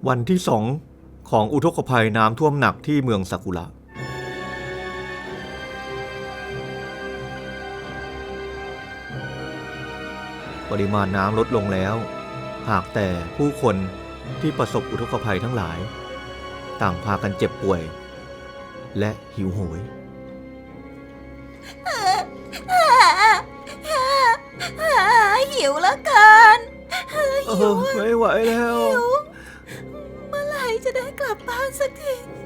วันที่2ของอุทกภัยน้ำท่วมหนักที่เมืองซากุระปริมาณน้ำลดลงแล้วหากแต่ผู้คนที่ประสบอุทกภัยทั้งหลายต่างพากันเจ็บป่วยและหิวโหยหิวแล้วกันหิวไม่ไหวแล้วเมื่อไหร่จะได้กลับบ้านสักที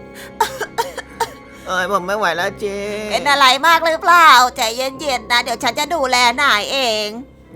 ผมไม่ไหวแล้วเจ๊เป็นอะไรมากหรือเปล่าใจเย็นๆนะเดี๋ยวฉันจะดูแลนายเอง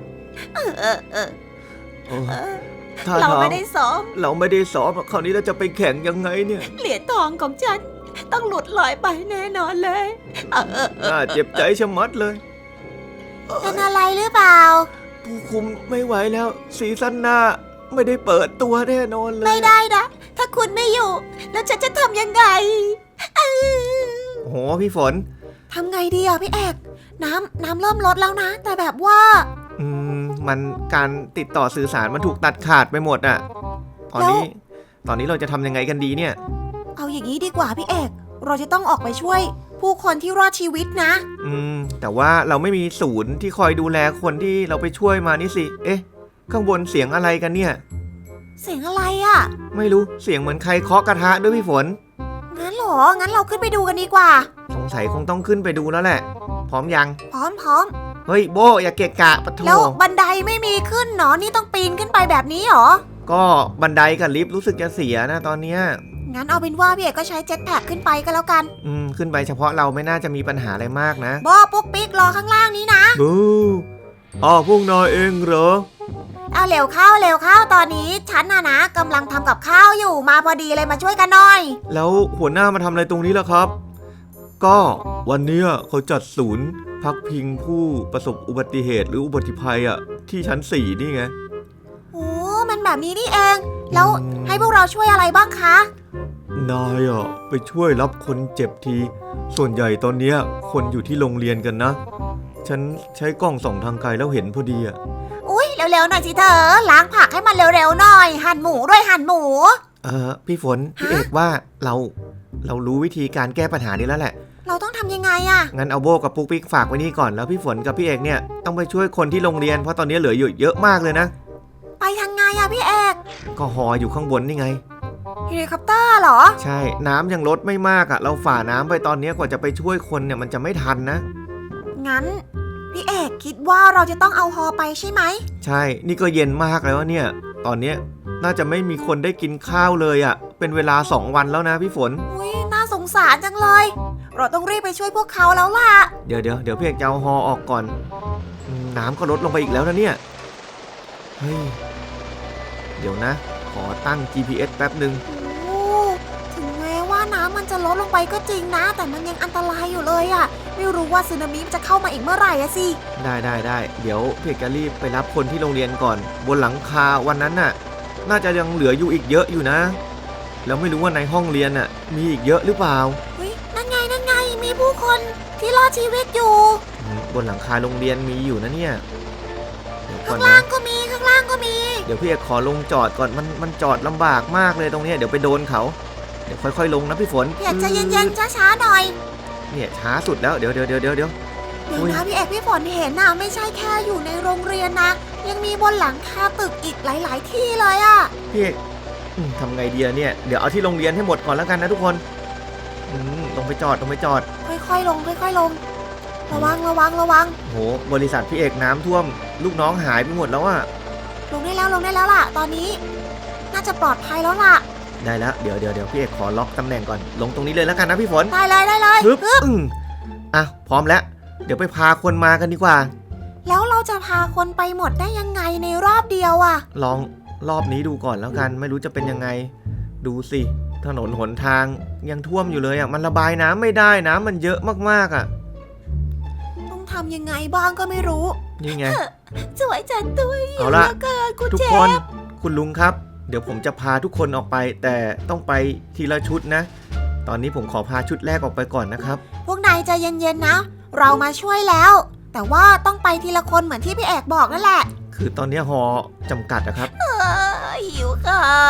เราไม่ได้ซ้อมเราไม่ได้ซ้อมคราวนี้เราจะไปแข่งยังไงเนี่ยเหรียญทองของฉันต้องหลุดลอยไปแน่นอนเลยน่าเจ็บใจชะมัดเลยเป็นอะไรหรือเปล่าผู้คุมไม่ไหวแล้วซีซั่นหน้าไม่ได้เปิดตัวแน่นอนเลยไม่ได้นะถ้าคุณไม่อยู่แล้วฉันจะทำยังไงโอ้โหพี่ฝนทำไงดีอ่ะพี่เอกน้ำเริ่มลดแล้วนะแต่แบบว่ามันการติดต่อสื่อสารมันถูกตัดขาดไปหมดอ่ะตอนนี้เราจะทำยังไงกันดีเนี่ยเอาอย่างนี้ดีกว่าพี่เอกเราจะต้องออกไปช่วยผู้คนที่รอดชีวิตนะแต่ว่าเราไม่มีศูนย์ที่คอยดูแลคนที่เราไปช่วยมานี่สิเอ๊ะข้างบนเสียงอะไรกันเนี่ยเสียงอะไรอ่ะไม่รู้เสียงเหมือนใครเคาะกระทะด้วยพี่ฝนงั้นเหรองั้นเราขึ้นไปดูกันดีกว่าสงสัยคงต้องขึ้นไปดูแล้วแหละพร้อมยังพร้อมเฮ้ยโบอย่าเกะกะปะโถแล้วบันไดไม่มีขึ้นเนาะนี่ต้องปีนขึ้นไปแบบนี้หรอก็บันไดกับลิฟต์รู้สึกจะเสียนะตอนเนี้ยงั้นเอาเป็นว่าพี่เอกก็ใช้เจ็ตแพ็คขึ้นไปก็แล้วกันขึ้นไปเฉพาะเราไม่น่าจะมีปัญหาอะไรมากนะบอปุ๊กปิ๊กรอข้างล่างนี้นะบูพวกนายเองเหรอเอาเร็วเข้าตอนนี้ฉันนะกำลังทำกับข้าวอยู่มาพอดีเลยมาช่วยกันหน่อยแล้วหัวหน้ามาทำอะไรตรงนี้ล่ะครับก็วันนี้เขาจัดศูนย์พักพิงผู้ประสบอุบัติเหตุหรืออุบัติภัยที่ชั้น4นี่ไงมันแบบนี้นี่เองแล้วให้พวกเราช่วยอะไรบ้างคะนายไปช่วยรับคนเจ็บทีส่วนใหญ่ตอนนี้คนอยู่ที่โรงเรียนกันนะฉันใช้กล้องส่องทางไกลแล้วเห็นพอดีอุ๊ยเร็วๆหน่อยสิเธอล้างผักให้มันเร็วๆหน่อยหั่นหมูด้วยหั่นหมูพี่ฝนพี่เอกว่าเรารู้วิธีการแก้ปัญหานี้แล้วแหละเราต้องทำยังไงงั้นเอาโบกับปุ๊กปิ๊กฝากไว้นี่ก่อนแล้วพี่ฝนกับพี่เอกเนี่ยต้องไปช่วยคนที่โรงเรียนเพราะตอนนี้เหลืออยู่เยอะมากเลยนะไปทางไงพี่เอกก็หออยู่ข้างบนนี่ไงเฮลิคอปเตอร์เหรอใช่น้ำยังลดไม่มากเราฝ่าน้ำไปตอนนี้กว่าจะไปช่วยคนเนี่ยมันจะไม่ทันนะงั้นพี่เอกคิดว่าเราจะต้องเอาฮอไปใช่ไหมใช่นี่ก็เย็นมากแล้วเนี่ยตอนนี้น่าจะไม่มีคนได้กินข้าวเลยเป็นเวลา2 วันแล้วนะพี่ฝนอุ๊ยน่าสงสารจังเลยเราต้องรีบไปช่วยพวกเขาแล้วล่ะเดี๋ยวพี่เอกจะเอาฮอออกก่อนน้ำก็ลดลงไปอีกแล้วนะเนี่ยเฮ้ยเดี๋ยวนะขอตั้ง GPS แป๊บนึงถึงแม้ว่าน้ำมันจะลดลงไปก็จริงนะแต่มันยังอันตรายอยู่เลยไม่รู้ว่าสึนามิจะเข้ามาอีกเมื่อไหร่สิได้เดี๋ยวพี่เอกจะรีบไปรับคนที่โรงเรียนก่อนบนหลังคาวันนั้นน่าจะยังเหลืออยู่อีกเยอะอยู่นะแล้วไม่รู้ว่าในห้องเรียนมีอีกเยอะหรือเปล่านั่นไงมีผู้คนที่รอดชีวิตอยู่บนหลังคาโรงเรียนมีอยู่นะเนี่ยข้างล่างก็มีเดี๋ยวพี่เอกขอลงจอดก่อนมันจอดลำบากมากเลยตรงนี้เดี๋ยวไปโดนเขาเดี๋ยวค่อยๆลงนะพี่ฝนพี่เอกใจเย็นๆช้าๆหน่อยเนี่ยช้าสุดแล้วเดี๋ยวนะพี่เอกพี่ฝนเห็นไม่ใช่แค่อยู่ในโรงเรียนนะยังมีบนหลังคาตึกอีกหลายๆที่เลยพี่เอกทำไงดีเนี่ยเดี๋ยวเอาที่โรงเรียนให้หมดก่อนแล้วกันนะทุกคนลงไปจอดค่อยๆลงระวังโหบริษัทพี่เอกน้ำท่วมลูกน้องหายไปหมดแล้วลงได้แล้วล่ะตอนนี้น่าจะปลอดภัยแล้วล่ะได้แล้วเดี๋ยวพี่เอกขอล็อกตำแหน่งก่อนลงตรงนี้เลยแล้วกันนะพี่ฝนได้เลยปึ๊บพร้อมแล้วเดี๋ยวไปพาคนมากันดีกว่าแล้วเราจะพาคนไปหมดได้ยังไงในรอบเดียวลองรอบนี้ดูก่อนแล้วกันไม่รู้จะเป็นยังไงดูสิถนนหนทางยังท่วมอยู่เลยมันระบายน้ำไม่ได้น้ำมันเยอะมากต้องทำยังไงบ้างก็ไม่รู้นี่ไงสวยจังตัวเอาละทุกคนคุณลุงครับเดี๋ยวผมจะพาทุกคนออกไปแต่ต้องไปทีละชุดนะตอนนี้ผมขอพาชุดแรกออกไปก่อนนะครับพวกนายใจเย็นๆนะเรามาช่วยแล้วแต่ว่าต้องไปทีละคนเหมือนที่พี่เอกบอกนั่นแหละคือตอนนี้ฮอจำกัดนะครับหิวข้าว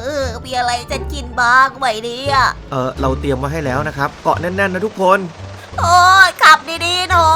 มีอะไรจะกินบ้างไหมเนี่ยเราเตรียมมาให้แล้วนะครับเกาะแน่นๆนะทุกคนโอ้ยขับดีๆหน่อย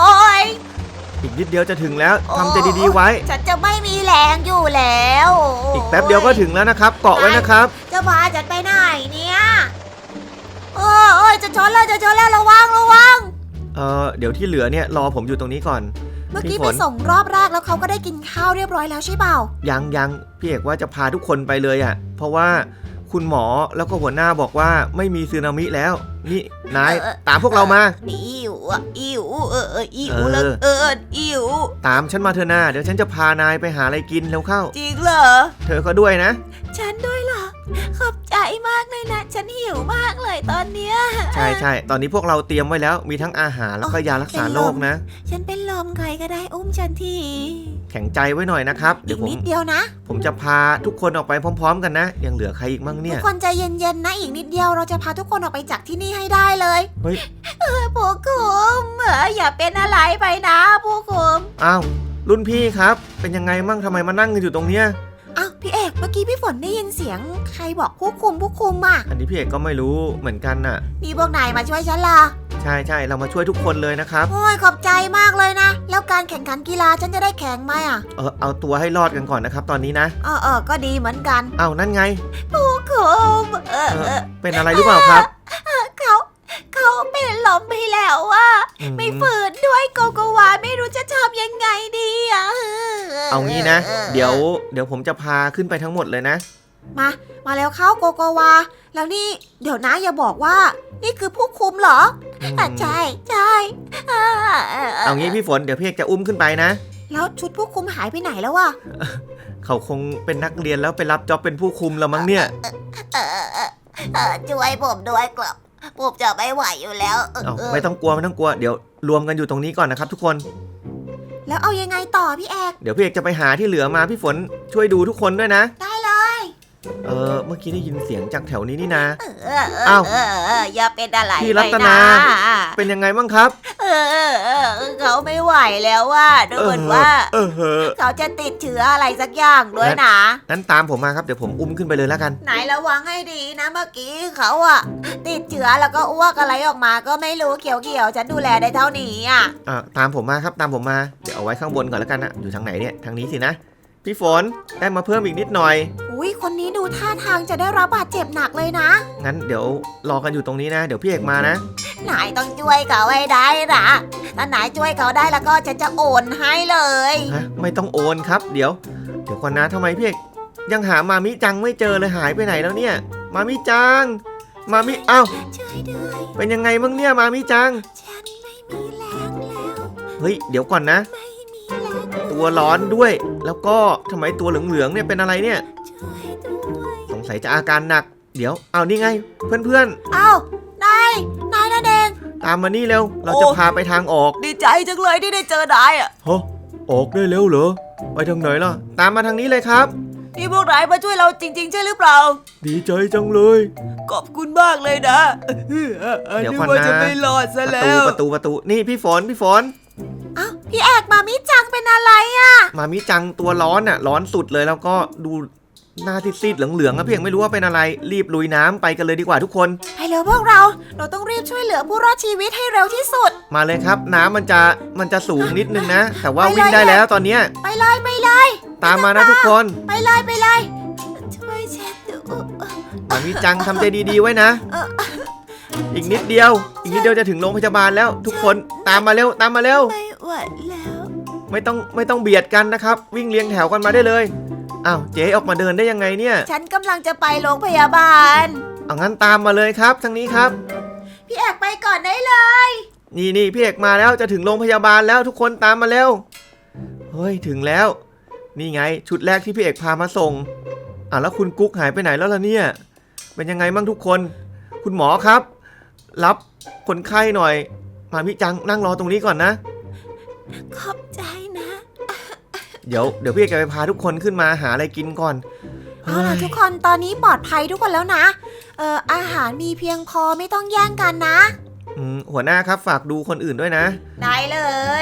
อีกนิดเดียวจะถึงแล้วทำใจดีๆไว้ฉันจะไม่มีแรงอยู่แล้วอีกแป๊บเดียวก็ถึงแล้วนะครับเกาะไว้นะครับจะพาฉันไปไหนเนี่ยโอ้ยจะชนแล้วระวังเดี๋ยวที่เหลือเนี่ยรอผมอยู่ตรงนี้ก่อนเมื่อกี้พี่ไปฝนส่งรอบแรกแล้วเขาก็ได้กินข้าวเรียบร้อยแล้วใช่เปล่ายังพี่เอกว่าจะพาทุกคนไปเลยอ่ะเพราะว่าคุณหมอแล้วก็หัวหน้าบอกว่าไม่มีสึนามิแล้ว นี่นายตามพวกเรามาอิ๋วอิ๋วอิ๋วเออแล้วอิ๋วตามฉันมาเถอะนาเดี๋ยวฉันจะพานายไปหาอะไรกินเร็วเข้าจริงเหรอเธอก็ด้วยนะฉันด้วยเหรอขอบใจมากเลยนะฉันหิวมากเลยตอนเนี้ยใช่ตอนนี้พวกเราเตรียมไว้แล้วมีทั้งอาหารแล้วก็ยารักษาโรคนะฉันเป็นลมใครก็ได้อุ้มฉันทีแข็งใจไว้หน่อยนะครับอีเดี๋ยกวผมนิดเดียวนะผมจะพาทุกคนออกไปพร้อมๆกันนะยังเหลือใครอีกมั่งทุเนี่กยคนใจเย็นๆนะอีกนิดเดียวเราจะพาทุกคนออกไปจากที่นี่ให้ได้เลยเฮ้ยผู้คุมอย่าเป็นอะไรไปนะผู้คุมอ้าวรุ่นพี่ครับเป็นยังไงมั่งทำไมมานั่งกันอยู่ตรงเนี้ยอ้าวพี่เอกเมื่อกี้พี่ฝนได้ยินเสียงใครบอกผู้คุมอ่ะอันนี้พี่เอกก็ไม่รู้เหมือนกันน่ะนี่พวกนายมาช่วยฉันล่ะใช่เรามาช่วยทุกคนเลยนะครับโอ้ยขอบใจมากเลยนะแล้วการแข่งขันกีฬาฉันจะได้แข่งไหมอ่ะเอาตัวให้รอดกันก่อนนะครับตอนนี้นะก็ดีเหมือนกันเอานั่นไงผู้คุมเป็นอะไรหรือเปล่าครับเขาเป็นลมไปแล้วว่า ไม่ฝืนด้วยโกโกวาไม่รู้จะทำยังไงดีอ่ะเอางี้นะ เดี๋ยวผมจะพาขึ้นไปทั้งหมดเลยนะมาแล้วเข้าโกโกวาแล้วนี่เดี๋ยวนะอย่าบอกว่า นี่คือผู้คุมเหรอใช่เอางี้พี่ฝนเดี๋ยวพี่เอกจะอุ้มขึ้นไปนะแล้วชุดผู้คุมหายไปไหนแล้ววะเขาคงเป็นนักเรียนแล้วไปรับจ็อบเป็นผู้คุมแล้วมั้งเนี่ยช่วยผมด้วยครับผมจะไม่ไหวอยู่แล้วไม่ต้องกลัวเดี๋ยวรวมกันอยู่ตรงนี้ก่อนนะครับทุกคนแล้วเอายังไงต่อพี่เอกเดี๋ยวพี่เอกจะไปหาที่เหลือมาพี่ฝนช่วยดูทุกคนด้วยนะได้เลยเมื่อกี้ได้ยินเสียงจากแถวนี้นี่นะอ้าวอย่าเป็นอะไรพี่รัตนา เป็นยังไงบ้างครับเขาไม่ไหวแล้วว่าดูเหมือนว่าเขาจะติดเชื้ออะไรสักอย่างด้วยนะนั้นตามผมมาครับเดี๋ยวผมอุ้มขึ้นไปเลยแล้วกันไหนระวังให้ดีนะเมื่อกี้เขาอะติดเชื้อแล้วก็อ้วกอะไรออกมาก็ไม่รู้เขียวๆฉันดูแลได้เท่านี้อะตามผมมาครับตามผมมาเดี๋ยวเอาไว้ข้างบนก่อนแล้วกันนะอยู่ทางไหนเนี่ยทางนี้สินะพี่ฝนได้มาเพิ่มอีกนิดหน่อยอุ้ยคนนี้ดูท่าทางจะได้รับบาดเจ็บหนักเลยนะงั้นเดี๋ยวรอกันอยู่ตรงนี้นะเดี๋ยวพี่เอกมานะนายต้องช่วยเขาให้ได้นะถ้านายช่วยเขาได้แล้วก็ฉันจะโอนให้เลยฮะไม่ต้องโอนครับเดี๋ยวก่อนนะทำไมพี่เอกยังหามามิจังไม่เจอเลยหายไปไหนแล้วเนี่ยมามิจังมามิเอ้าช่วยด้วยเป็นยังไงบ้างเนี่ยมามิจังฉันไม่มีแรงแล้วเฮ้ยเดี๋ยวก่อนนะไม่มีแรงตัวร้อนด้วย แล้วก็ทำไมตัวเหลืองๆเนี่ยเป็นอะไรเนี่ยช่วยด้วยสงสัยจะอาการหนักเดี๋ยวเอานี่ไงเพื่อนอ้าวนายนั่นเองๆตามมานี่เร็วเราจะพาไปทางออกดีใจจังเลยที่ได้เจอนายอ่ะฮะออกได้แล้วเหรอไปทางไหนล่ะตามมาทางนี้เลยครับนี่พวกนายมาช่วยเราจริงๆใช่หรือเปล่าดีใจจังเลยขอบคุณมากเลยนะเดี๋ยวก่อนนะจะไม่รอดซะแล้วประตูนี่พี่ฝนอ้าวพี่เอกมามิจังเป็นอะไรอ่ะมามิจังตัวร้อนอ่ะร้อนสุดเลยแล้วก็ดูหน้าซีดๆเหลืองๆอะเพียงไม่รู้ว่าเป็นอะไรรีบลุยน้ำไปกันเลยดีกว่าทุกคนไปเร็วพวกเราต้องรีบช่วยเหลือผู้รอดชีวิตให้เร็วที่สุดมาเลยครับน้ำมันจะสูงนิดนึงนะ แต่ว่าไปเลยวิ่งได้แล้วตอนเนี้ยไปเลยตามมานะทุกคนไปเลยช่วยฉันดูมามิจังทำใจดีๆไว้นะ อีกนิดเดียวจะถึงโรงพยาบาลแล้ว ทุกคนตามมาเร็วไม่ไหวแล้วไม่ต้องเบียดกันนะครับ วิ่งเรียงแถวกันมาได้เลยอ้าวเจ๊ออกมาเดินได้ยังไงเนี่ยฉันกำลังจะไปโรงพยาบาลเอางั้นตามมาเลยครับทางนี้ครับพี่เอกไปก่อนได้เลยนี่พี่เอกมาแล้วจะถึงโรงพยาบาลแล้วทุกคนตามมาเร็วเฮ้ยถึงแล้ว นี่ไงชุดแรกที่พี่เอกพามาส่งแล้วคุณกุ๊กหายไปไหนแล้วล่ะเนี่ยเป็นยังไงบ้างทุกคนคุณหมอครับ รับคนไข้หน่อยมามิจังนั่งรอตรงนี้ก่อนนะขอบใจนะเดี๋ยวพี่เอกจะไปพาทุกคนขึ้นมาหาอะไรกินก่อนเอาล่ะทุกคนตอนนี้ปลอดภัยทุกคนแล้วนะอาหารมีเพียงพอไม่ต้องแย่งกันนะหัวหน้าครับฝากดูคนอื่นด้วยนะได้เลย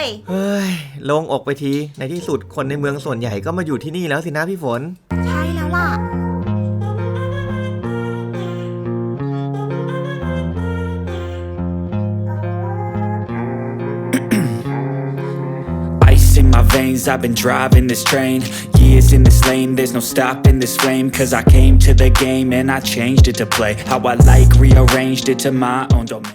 เฮ้ยโล่งอกไปทีในที่สุดคนในเมืองส่วนใหญ่ก็มาอยู่ที่นี่แล้วสินะพี่ฝนใช่แล้วล่ะ in my veins, I've been driving this train. Years in this lane, there's no stopping this flame. Cause I came to the game and I changed it to play how I like, rearranged it to my own domain.